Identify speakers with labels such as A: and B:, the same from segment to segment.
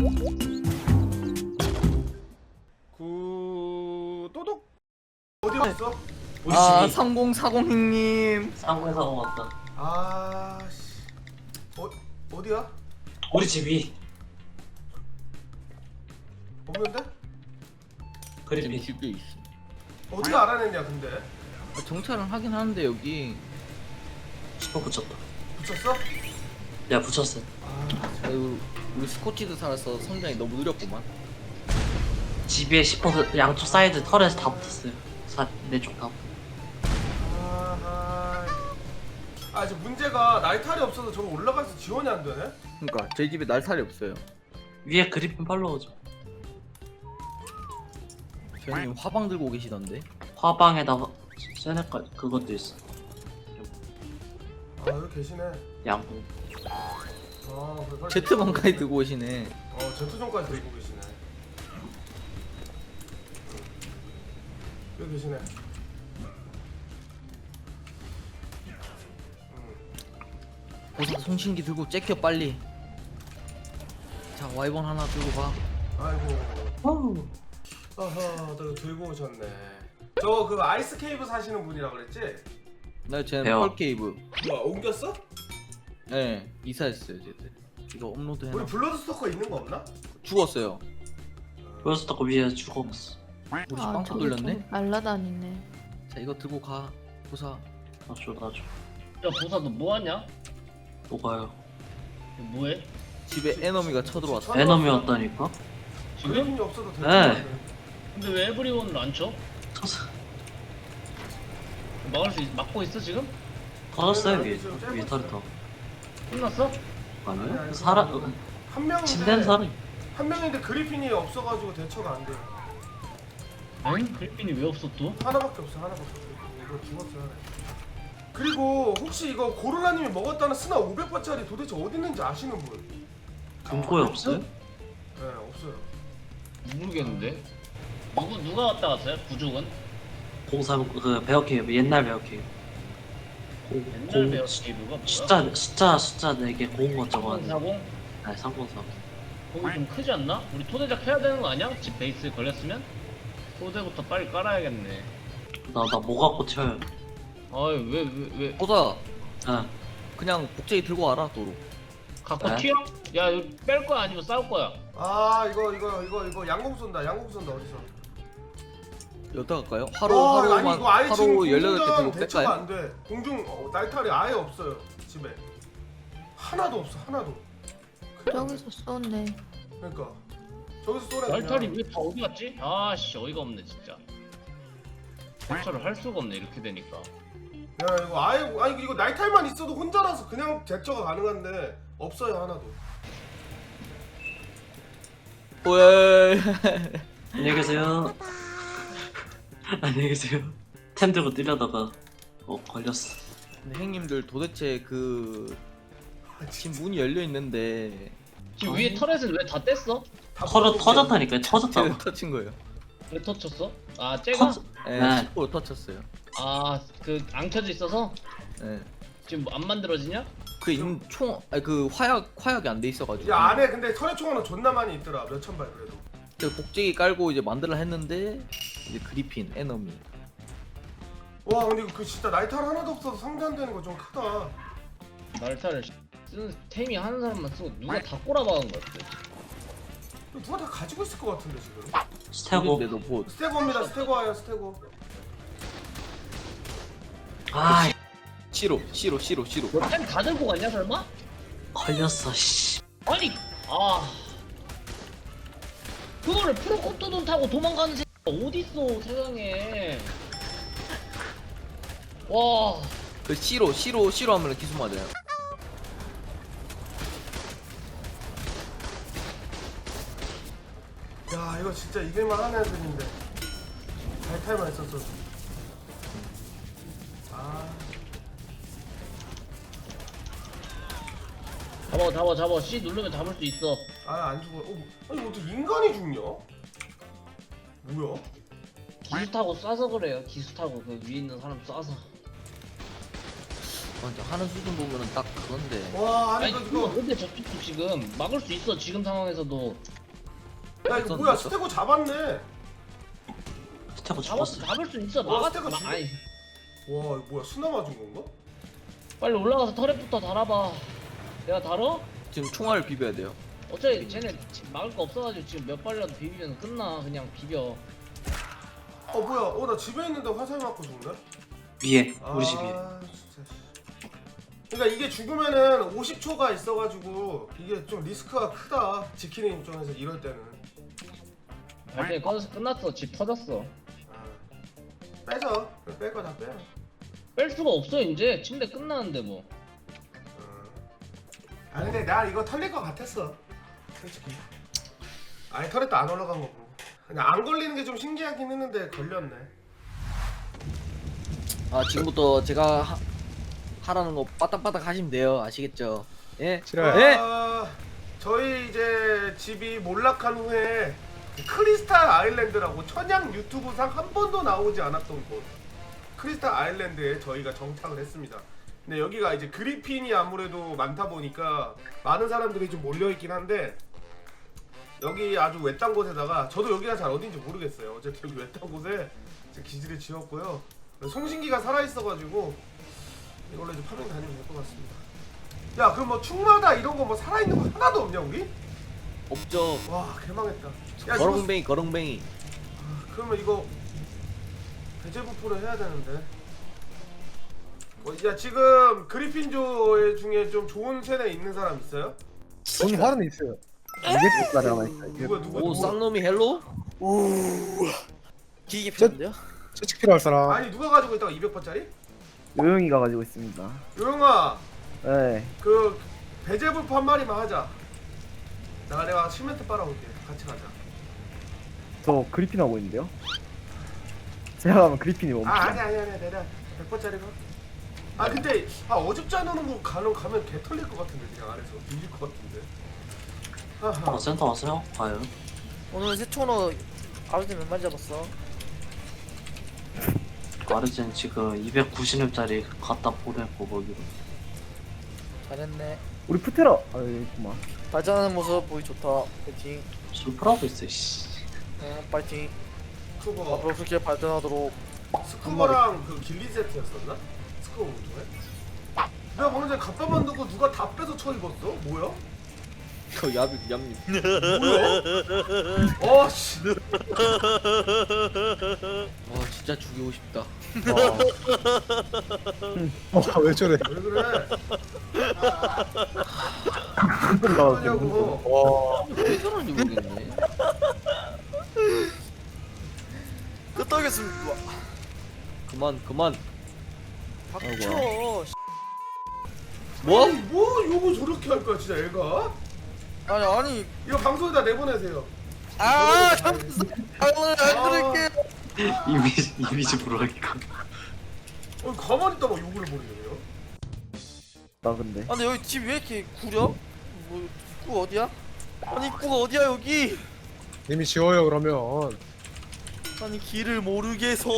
A: 또독 어디 갔어?
B: 아 3040님
C: 상공사고 왔다.
A: 아씨 어디야?
C: 우리 집이
A: 없는데?
C: 그리핀.
B: 집에 있어.
A: 어디가 알아냈냐 근데?
B: 정찰은 하긴 하는데 여기
C: 슈퍼 붙였다.
A: 붙였어?
C: 야 붙였어.
B: 아유, 우리 스코치드 살아서 성장이 너무 느렸구만.
C: 집에 슈퍼 양쪽 사이드 털에서 다 붙었어요. 내쪽 다.
A: 아 지금 문제가 날탈이 없어서 저거 올라가서 지원이 안 되네?
B: 그러니까 저희 집에 날살이 없어요.
C: 위에 그리핀 팔로우죠.
B: 저희님 화방 들고 계시던데.
C: 화방에다 세네까 그것도 있어.
A: 아 여기 계시네.
C: 양궁.
B: 제트방까지 들고 오시네.
A: 제트존까지 들고 계시네. 여기 계시네.
B: 보석 송신기 들고 째켜 빨리. 자 와이번 하나 들고 가.
A: 아이고. 어허, 너 들고 오셨네. 저 그 아이스 케이브 사시는 분이라 그랬지?
B: 나 쟤는
C: 배워.
B: 펄케이브.
A: 뭐야 옮겼어?
B: 네 이사했어요 제트. 이거 업로드 해놔.
A: 우리 블러드 스토커 있는 거 없나?
B: 죽었어요.
C: 보여줬다고 위에 죽어봤어.
B: 우리
D: 아,
B: 빵터
D: 저기
B: 뚫렸네.
D: 좀 날라다니네.
B: 자 이거 들고 가. 보사.
C: 나줘.
E: 야 보사 너 뭐하냐?
C: 뭐가요?
E: 너 뭐해?
B: 집에 에너미가 쳐들어왔어.
C: 에너미 왔다니까?
E: 지금?
A: 그림이 없어도 될 것
C: 네.
A: 같아.
E: 근데 왜 에브리원을 안 쳐?
C: 터졌.
E: 막고 있어 지금?
C: 터졌어요 위에. 위에 털이
E: 끝났어?
C: 아니요? 사람
A: 한 명인데
C: 침대는 사람.
A: 한 명인데 그리핀이 없어가지고 대처가 안 돼.
E: 응? 그리핀이 왜 없어 또?
A: 하나밖에 없어. 이거 죽었어 하나. 그리고 혹시 이거 고르라님이 먹었다는 스나 500바짜리 도대체 어디 있는지 아시는 분?
C: 금고에 없어요?
A: 네 없어요.
E: 모르겠는데. 누가 왔다 갔어요? 부족은?
C: 03 그 베어케이브 옛날 베어케이브.
E: 옛날 베어 케이브가 뭐야?
C: 숫자 4개 고운 거 적어놨네.
E: 3040?
C: 아니 303.
E: 거기 좀 크지 않나? 우리 토대작 해야 되는 거 아니야? 집 베이스 걸렸으면? 토대부터 빨리 깔아야겠네.
C: 나 뭐 갖고 튀어요?
E: 아이 왜
B: 보사.
C: 아
B: 그냥 복제기 들고 와라 도로.
E: 갖고
C: 네?
E: 튀어? 야 이거 뺄 거야 아니면 싸울 거야?
A: 아 이거 양궁 쏜다 어디서?
B: 여기다 갈까요?
A: 와,
B: 하루만
A: 아니 이거 아예 지금
B: 하루 18개
A: 공중전
B: 들고
A: 대처가
B: 뺄까요?
A: 안 돼. 날탈이 아예 없어요 집에. 하나도 없어 하나도.
D: 저기서 쏘네.
A: 그러니까 저기서 쏘래.
E: 날탈이 왜 다 어디 갔지? 아씨 어이가 없네 진짜. 대처를 할 수가 없네 이렇게 되니까.
A: 야 이거 아니 이거 날탈만 있어도 혼자라서 그냥 대처가 가능한데 없어요 하나도.
B: 왜?
C: 안녕히 계세요. 안녕히 계세요. 템 들고 뛰려다가 걸렸어.
B: 근데 형님들 도대체 그 지금 문이 열려 있는데
E: 지금 위에 터렛은 왜 다 뗐어?
C: 터졌다니까 터졌다고.
B: 제가 터친 거예요.
E: 왜 터쳤어? 아 쟤가?
B: 네,
C: 네.
B: 10% 터쳤어요.
E: 아 그 안 켜져 있어서?
B: 네.
E: 지금 뭐안 만들어지냐?
B: 그 아니 그 화약이 안 돼 있어가지고.
A: 야 안에 근데 터렛총알은 존나 많이 있더라. 몇천 발 그래도.
B: 그 복제기 깔고 이제 만들라 했는데 이제 그리핀 에너미.
A: 와 근데 이거 그 진짜 날탈 하나도 없어서 상대 안 되는 거 좀 크다.
E: 날타를 쓰는 템이 하는 사람만 쓰고 누가 다 꼬라박은 거 같아.
A: 이거 누가 다 가지고 있을 것 같은데 지금.
C: 스테고.
B: 근데도 뭐
A: 스테고입니다. 스테고 와요 스테고.
C: 아
B: 시로.
E: 너템 다 들고 갔냐 설마?
C: 걸렸어. 씨.
E: 아니 그거를 프로코토돈 타고 도망가는 새끼가 어딨어 세상에. 와
B: 그 시로 하면 기수 맞아요.
A: 야 이거 진짜 이길만 하는 애들인데 날탈만 있었어. 아
E: 잡아 C 누르면 잡을 수 있어.
A: 안 죽어. 아니 어떻게 인간이 죽냐? 뭐야?
E: 기수 타고 쏴서 그래요. 기수 타고 그 위에 있는 사람 쏴서.
B: 맞아, 하는 수준 보면은 딱 그건데.
A: 와 아니
E: 아니
A: 이거
E: 근데 저쪽도 지금 막을 수 있어 지금 상황에서도.
A: 야 이거 뭐야 스테고 잡았네.
C: 스테고 죽었어.
E: 잡을 수 있어.
A: 와,
E: 막아.
A: 스테고 죽여?
E: 아니
A: 와 이거 뭐야 수나 맞은 건가?
E: 빨리 올라가서 터렛부터 달아봐. 내가 달어?
B: 지금 총알을 비벼야 돼요.
E: 어차피 쟤네 지금 막을 거 없어가지고 지금 몇 발이라도 비비면 끝나. 그냥 비벼.
A: 어 뭐야 나 집에 있는데 화살 맞고 죽네?
C: 위에 우리 집 위에.
A: 진짜. 그러니까 이게 죽으면은 50초가 있어가지고 이게 좀 리스크가 크다 지키는 입장에서 이럴 때는.
E: 발전이 꺼져서 끝났어. 집 터졌어.
A: 아, 빼자. 뺄 거 다 빼.
E: 뺄 수가 없어 이제. 침대 끝나는데 뭐.
A: 아 근데 나 이거 털릴 것 같았어 솔직히. 아니 털렸도 안 올라간 거고 그냥 안 걸리는 게 좀 신기하긴 했는데 걸렸네.
B: 아, 지금부터 제가 하라는 거 빠딱빠딱 하시면 돼요. 아시겠죠? 예?
F: 싫어요.
B: 예?
A: 저희 이제 집이 몰락한 후에 크리스탈 아일랜드라고 천양 유튜브상 한 번도 나오지 않았던 곳 크리스탈 아일랜드에 저희가 정착을 했습니다. 근데 여기가 이제 그리핀이 아무래도 많다 보니까 많은 사람들이 좀 몰려있긴 한데 여기 아주 외딴 곳에다가 저도 여기가 잘 어딘지 모르겠어요. 어쨌든 여기 외딴 곳에 이제 기지를 지었고요. 송신기가 살아있어가지고 이걸로 이제 파밍 다니면 될 것 같습니다. 야 그럼 뭐 충마다 이런 거 뭐 살아있는 거 하나도 없냐 우리?
B: 없죠.
A: 와 개망했다. 야 이거
B: 거렁뱅이, 거렁뱅이.
A: 그러면 이거 배제부포를 해야 되는데. 야 지금 그리핀조 중에 좀 좋은 세대 있는 사람 있어요?
F: 돈 화는 있어요. 200불짜리 하나 있어요.
A: 누가
B: 오, 쌍놈이 헬로?
G: 기계 필요한데요?
F: 채찍 필요할 사람.
A: 아니 누가 가지고 있다가 200번짜리?
G: 요영이가 가지고 있습니다.
A: 요영아
G: 네.
A: 그 배제부포 한 마리만 하자. 내가 시멘트 빨아올게. 같이 가자.
G: 저 그리핀 하고 있는데요. 제가 가면 그리핀이 멈춰.
A: 아니 내가 100번짜리 가. 아 근데 어줍지 않은 거 가면 개 털릴 것 같은데 그냥 안에서 밀릴 것 같은데. 하하.
C: 센터 왔어요? 과연?
G: 오늘 세초로 아버지 몇 마리 잡았어?
C: 아르젠 지금 290렙짜리 갖다 보냈고 거기로.
G: 잘했네. 우리 푸테라. 아 여기 있구만. 발전하는 모습 보기 좋다. 파이팅.
C: 술프라고 있어 씨.
G: 파이팅.
A: 스쿠버
G: 앞으로 그렇게 발전하도록.
A: 스쿠버랑 그 길리 세트였었나? 스쿠버 운동회? 내가 방금 전에 갑바 만들고 누가 다 빼서 쳐 입었어? 뭐야?
B: 그 얌님.
A: 뭐야? 어씨.
B: 와, 진짜 죽이고 싶다.
F: 왜 저래?
A: 왜 그래?
G: 나오고.
A: 그러냐고.
B: 왜 저런지 모르겠네.
G: 끄떡이었습니다.
B: 그만.
G: 박쳐.
B: 뭐?
A: 아니, 뭐 요거 저렇게 할 거야 진짜 애가?
G: 아니.
A: 이거 방송에다 내보내세요.
G: 잘못했어. 오늘 안 들을게.
C: 이미지 불허니까.
A: 가만히 있다가 욕을 버리네요.
G: 나 근데. 아 근데 여기 집 왜 이렇게 구려? 뭐 입구 어디야? 아니 입구가 어디야 여기?
F: 님이 지워요 그러면.
G: 아니 길을 모르겠어.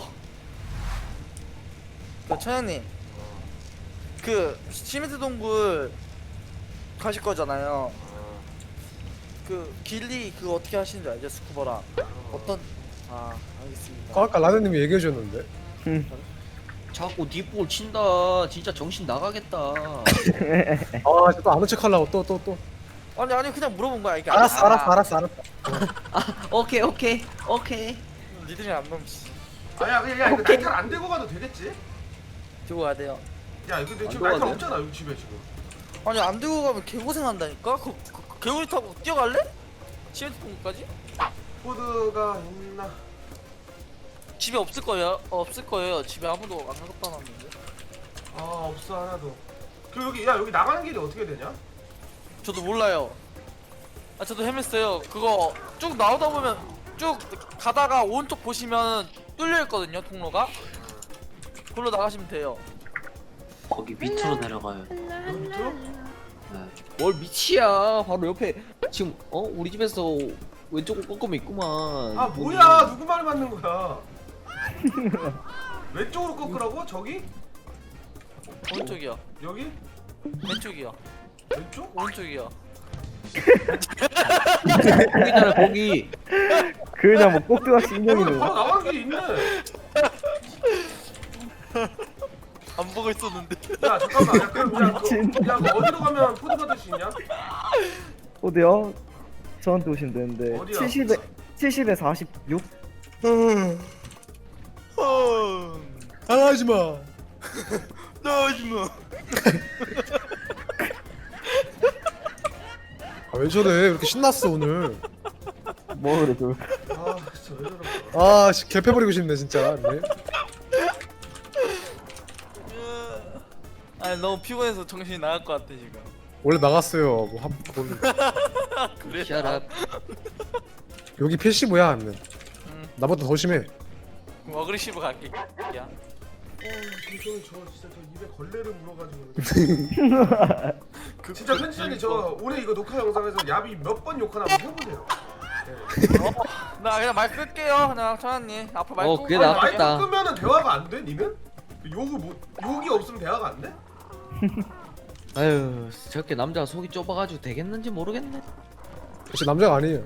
G: 그 천양님, 그 시멘트 동굴 가실 거잖아요. 그 길리 그거 어떻게 하시는 줄 알죠? 스쿠버랑 어떤? 아 알겠습니다.
F: 아까 라드님이 얘기해 줬는데.
B: 자꾸 뒷볼 친다. 진짜 정신 나가겠다.
F: 아, 또 아는 척 하려고 또.
G: 아니 그냥 물어본 거야 이게.
F: 알았어.
B: 오케이.
G: 니들이 안 넘지.
A: 아야 그냥 이거 날탈 안 대고 가도 되겠지?
G: 들고 가야 돼요.
A: 야 근데 지금
B: 안
A: 날탈
B: 들어가네.
A: 없잖아 여기 집에 지금.
G: 아니 안 들고 가면 개고생 한다니까? 그 개구리 타고 뛰어갈래? 시멘트 동굴까지?
A: 코드가 있나?
G: 집에 없을 거예요. 집에 아무도 안 갖다 놨는데.
A: 아 없어 하나도. 그 여기 나가는 길이 어떻게 되냐?
G: 저도 몰라요. 저도 헤맸어요. 그거 쭉 나오다 보면 쭉 가다가 오른쪽 보시면 뚫려 있거든요, 통로가. 그걸로 나가시면 돼요.
C: 거기 밑으로 내려가요.
A: 여기 밑으로?
C: 네.
B: 뭘 미치야. 바로 옆에 지금 우리 집에서 왼쪽으로 꺾으면 있구만.
A: 아 뭐야 누구 말을 맞는 거야? 왼쪽으로 꺾으라고? 저기?
G: 오른쪽이요.
A: 여기?
G: 왼쪽이요.
A: 왼쪽?
G: 오른쪽이요.
B: 거기잖아 거기.
F: 그냥 뭐 꼭두각시
A: 여기
F: 인형이네.
A: 바로 나가는 길이 있네.
G: 안 보고 있었는데.
A: 야 잠깐만. 야,
F: 미친.
A: 야, 뭐 어디로 가면 포드 받을 수 있냐?
F: 어디요? 저한테 오시면 되는데
A: 어디야?
F: 70에 46?
H: 하지마.
G: 나오지마.
H: 아, 왜 저래? 왜 이렇게 신났어 오늘?
F: 뭐 그래 저.
A: 아 진짜 왜 저럴까?
H: 아, 개패버리고 싶네 진짜. 네.
G: 아니 너무 피곤해서 정신이 나갈 것 같아 지금.
H: 원래 나갔어요.
G: 그래?
B: Shut up.
H: 여기 패시브야 하면. 나보다 더 심해.
G: 어그리시브 갈게. 야.
A: 이거 저 진짜 저 입에 걸레를 물어가지고. 진짜 편집자님 저 오늘 이거 녹화 영상에서 야비 몇 번 욕하나 한번 해보세요.
G: 나 그냥 말 끌게요. 그냥 천안님 앞으로 말 끄고.
B: 그게
A: 아니,
B: 낫겠다.
A: 마이크 끄면은 대화가 안 돼? 니는? 욕이 없으면 대화가 안 돼?
B: 아유 저렇게 남자가 속이 좁아가지고 되겠는지 모르겠네.
H: 역시 남자가 아니에요.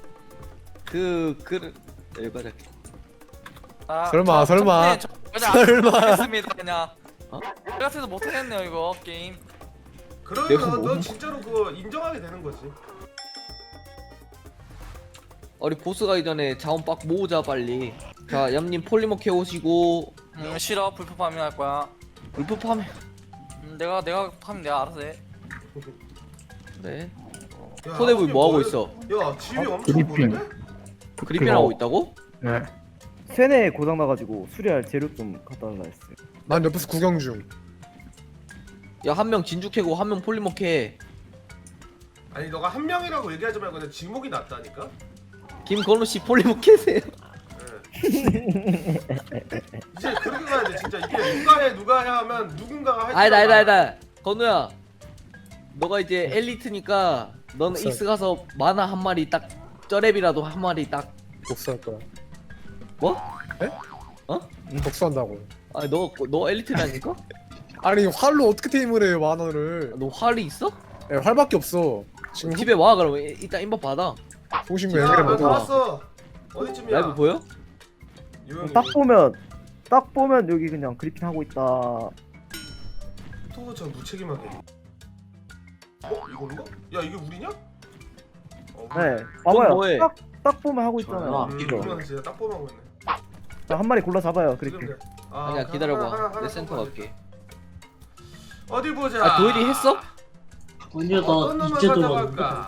B: 여기까지.
G: 아,
H: 설마, 설마.
G: 그냥
H: 설마.
G: 못하겠습니다 그냥.
B: 어?
G: 제가 같아서 못하겠네요 이거 게임.
A: 그러면
B: 내가
A: 너
B: 뭐-
A: 진짜로 그거 인정하게 되는 거지.
B: 우리 보스 가기 전에 자원 빡 모으자 빨리. 자 얌님 폴리머 캐오시고
G: 싫어. 불법 파밍 할 거야.
B: 울프 파면
G: 내가 파밍 내가 알아서 해.
B: 그래.
A: 야,
B: 소대부
A: 이게
B: 뭐 하고
A: 뭐야?
B: 있어?
A: 야 집이 엄청
F: 그리핑.
A: 많은데?
B: 그리핀 하고 있다고?
F: 네. 세뇌 고장 나가지고 수리할 재료 좀 갖다 달라 했어요.
H: 난 옆에서 구경 중.
B: 야 한 명 진주 캐고 한 명 폴리머 캐.
A: 아니 너가 한 명이라고 얘기하지 말고 그냥 지목이 낫다니까?
B: 김건우 씨 폴리머 캐세요.
A: 예. 이제 그렇게 가야지 진짜 이게 누가 해 하면 누군가가 할
B: 아니다. 건우야. 너가 이제 엘리트니까 넌
H: 없어.
B: 익스 가서 만화 한 마리 딱 쩌랩이라도 한 마리 딱
H: 복수할 거야.
B: 뭐?
H: 복수한다고.
B: 아니 너 엘리트라니까?
H: 아니 활로 어떻게 테임을 해요 만화를?
B: 너 활이 있어?
H: 예, 활밖에 없어. 지금
B: 집에 와 그러면 일단 인버 받아.
H: 통신구
A: 야,
H: 연결해
A: 나
H: 먹어.
A: 나왔어. 어디쯤이야?
B: 라이브 보여?
A: 요영이.
F: 딱 보면 여기 그냥 그리핀 하고 있다.
A: 또 저 무책임하게. 이건가? 야 이게 우리냐?
F: 네. 봐봐요.
B: 뭐해?
F: 딱 보면 하고 있잖아요.
C: 이거.
A: 이거 진짜 딱 보면 하고 있네.
F: 자, 한 마리 골라 잡아요.
A: 지금
F: 그리핀.
A: 돼.
B: 아니야
A: 하나,
B: 기다려봐. 내
A: 하나
B: 센터
A: 더
B: 갈게.
A: 어디 보자.
B: 아 도일이 했어?
C: 아니요
A: 어떤
C: 나
A: 놈을
C: 이제
A: 가져갈까?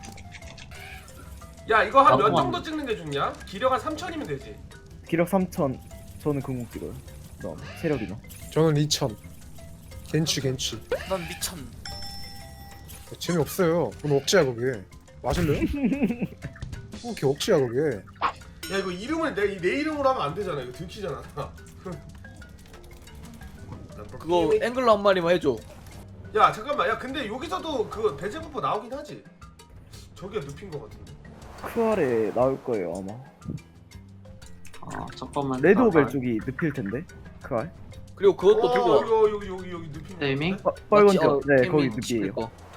A: 야 이거 한 몇
C: 잠깐만.
A: 정도 찍는 게 좋냐? 기력 한 3천이면 되지.
F: 기력 3000. 저는 금공 찍어요. 그다음 체력이나.
H: 저는 2000. 겐취.
G: 난 미쳤네.
H: 재미없어요. 그건 억지야 그게. 맞을래요? 그게 억지야 그게.
A: 야 이거 이름을 내 이름으로 하면 안 되잖아. 이거 들키잖아.
B: 그거 앵글러 한 마리만 해줘.
A: 야 잠깐만. 야 근데 여기서도 그 배제부포 나오긴 하지. 저기가 눕힌 거 같은데.
F: 크알에 나올 거예요 아마.
C: 아 잠깐만.
F: 레드오벨 쪽이 늪일 텐데. 크알.
B: 그리고 그것도 들고 와.
A: 여기 눕힌 거.
C: 타이밍?
F: 빨간
B: 맞지?
F: 쪽. 네
B: 캠핑
F: 거기
B: 집일
F: 늪이에요.
B: 거.